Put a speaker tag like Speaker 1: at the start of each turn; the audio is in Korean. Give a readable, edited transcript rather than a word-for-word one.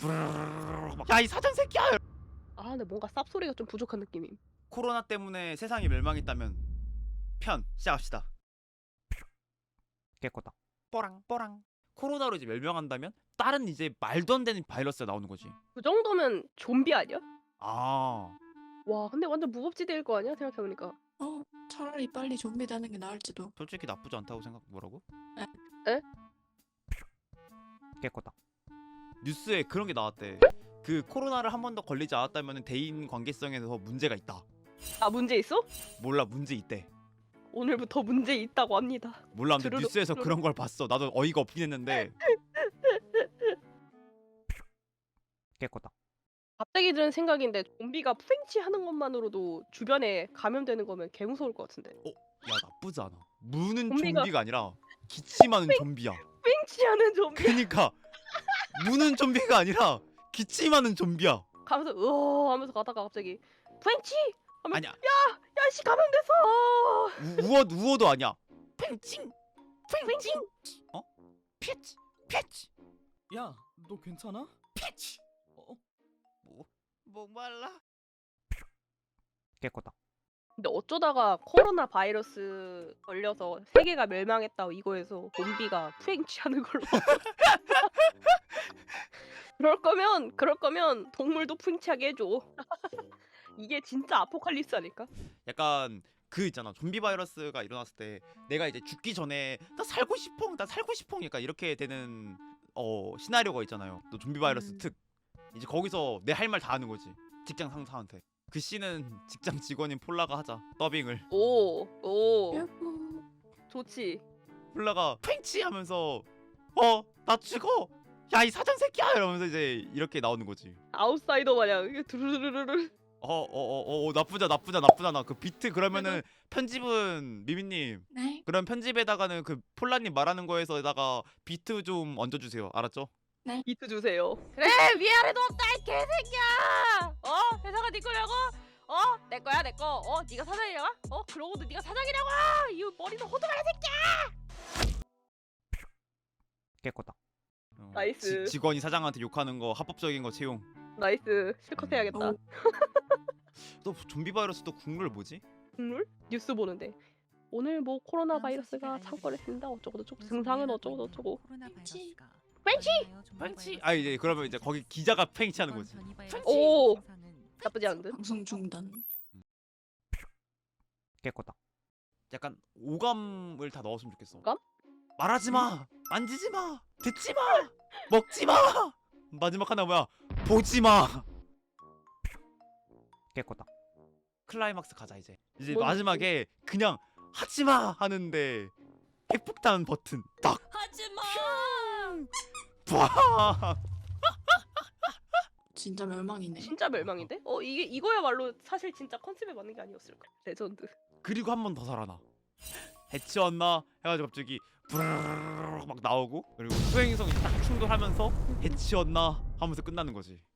Speaker 1: 야 이 사전 새끼야.
Speaker 2: 아 근데 뭔가 쌉소리가 좀 부족한 느낌임.
Speaker 1: 코로나 때문에 세상이 멸망했다면 편 시작합시다. 깨꼬다. 뽀랑. 코로나로 이제 멸망한다면 다른 이제 말도 안 되는 바이러스가 나오는 거지.
Speaker 2: 그 정도면 좀비 아니야?
Speaker 1: 아,
Speaker 2: 와 근데 완전 무법지대일 거 아니야 생각해보니까.
Speaker 3: 차라리 빨리 좀비 되는 게 나을지도.
Speaker 1: 솔직히 나쁘지 않다고 생각. 뭐라고?
Speaker 2: 에?
Speaker 1: 깨꼬다. 뉴스에 그런 게 나왔대. 그 코로나를 한 번 더 걸리지 않았다면 대인 관계성에서 문제가 있다.
Speaker 2: 아 문제 있어?
Speaker 1: 몰라, 문제 있대.
Speaker 2: 오늘부터 문제 있다고 합니다.
Speaker 1: 몰라, 근데
Speaker 2: 주르륵,
Speaker 1: 뉴스에서
Speaker 2: 주르륵.
Speaker 1: 그런 걸 봤어. 나도 어이가 없긴 했는데. 깨꼬다.
Speaker 2: 갑자기 드는 생각인데 좀비가 프랭치 하는 것만으로도 주변에 감염되는 거면 개 무서울 것 같은데.
Speaker 1: 야 나쁘지 않아. 무는
Speaker 2: 좀비가-
Speaker 1: 좀비가 아니라 기침하는 좀비야.
Speaker 2: 프랭치 하는 좀비
Speaker 1: 그니까 무는 좀비가 아니라 기침하는 좀비야.
Speaker 2: 가면서 으어 하면서 가다가 갑자기 프랭치 하면
Speaker 1: 아니야.
Speaker 2: 야씨 감염됐어.
Speaker 1: 우어도 아니야. 팽칭. 어? 피치.
Speaker 4: 야, 너 괜찮아?
Speaker 1: 피치. 목말라. 깨꼬다.
Speaker 2: 근데 어쩌다가 코로나 바이러스 걸려서 세계가 멸망했다고 이거에서 좀비가 프랭치 하는 걸로. 그럴 거면 동물도 프랭치하게 해줘. 이게 진짜 아포칼립스 아닐까?
Speaker 1: 약간 그 있잖아. 좀비 바이러스가 일어났을 때 내가 이제 죽기 전에 나 살고 싶어. 약간 이렇게 되는 시나리오가 있잖아요. 또 좀비 바이러스 특. 이제 거기서 내 할 말 다 하는 거지. 직장 상사한테. 그 씨는 직장 직원인 폴라가 하자. 더빙을.
Speaker 2: 오
Speaker 3: 여보.
Speaker 2: 좋지.
Speaker 1: 폴라가 팽치 하면서 나 죽어. 야 이 사장 새끼야 이러면서 이제 이렇게 나오는 거지.
Speaker 2: 아웃사이더 마냥 이게 두루루루루.
Speaker 1: 나쁘잖아. 그 비트 그러면은 편집은 미미님.
Speaker 3: 네.
Speaker 1: 그럼 편집에다가는 그 폴라님 말하는 거에서다가 비트 좀 얹어주세요. 알았죠?
Speaker 2: 비트 주세요. 그래 위아래도 없다 이 개새끼야. 회사가 네 거냐고? 내 거야 내 거. 네가 사장이냐고? 그러고도 네가 사장이냐고? 이 머리도 호두마야 새끼.
Speaker 1: 깨꼬다.
Speaker 2: 나이스.
Speaker 1: 직원이 사장한테 욕하는 거 합법적인 거 채용.
Speaker 2: 나이스. 실컷 해야겠다.
Speaker 3: 오.
Speaker 1: 또 좀비 바이러스 또 국룰 뭐지?
Speaker 2: 국룰? 뉴스 보는데 오늘 뭐 코로나 바이러스가 창궐 했습니다. 어쩌고 저쩌고 증상은 어쩌고 저쩌고.
Speaker 1: 팽치? 아 이제 그러면 이제 거기 기자가 팽치하는 거지.
Speaker 2: 오 나쁘지 않은데.
Speaker 3: 방송 중단.
Speaker 1: 깨꼬다. 약간 오감을 다 넣었으면 좋겠어.
Speaker 2: 오감?
Speaker 1: 말하지 마, 만지지 마, 듣지 마, 먹지 마. 마지막 하나 뭐야? 보지 마. 깨꼬다. 클라이막스 가자 이제. 이제
Speaker 2: 뭔
Speaker 1: 마지막에 그냥 하지 마 하는데 핵폭탄 버튼 딱.
Speaker 3: 하지마.
Speaker 1: 와.
Speaker 3: 진짜 멸망이네.
Speaker 2: 진짜 멸망인데? 이거야말로 사실 진짜 컨셉에 맞는 게 아니었을까? 레전드.
Speaker 1: 그리고 한 번 더 살아나. 해치웠나 해가지고 갑자기 부르르르 막 나오고 그리고 수행성이 딱 충돌하면서 해치웠나 하면서 끝나는 거지.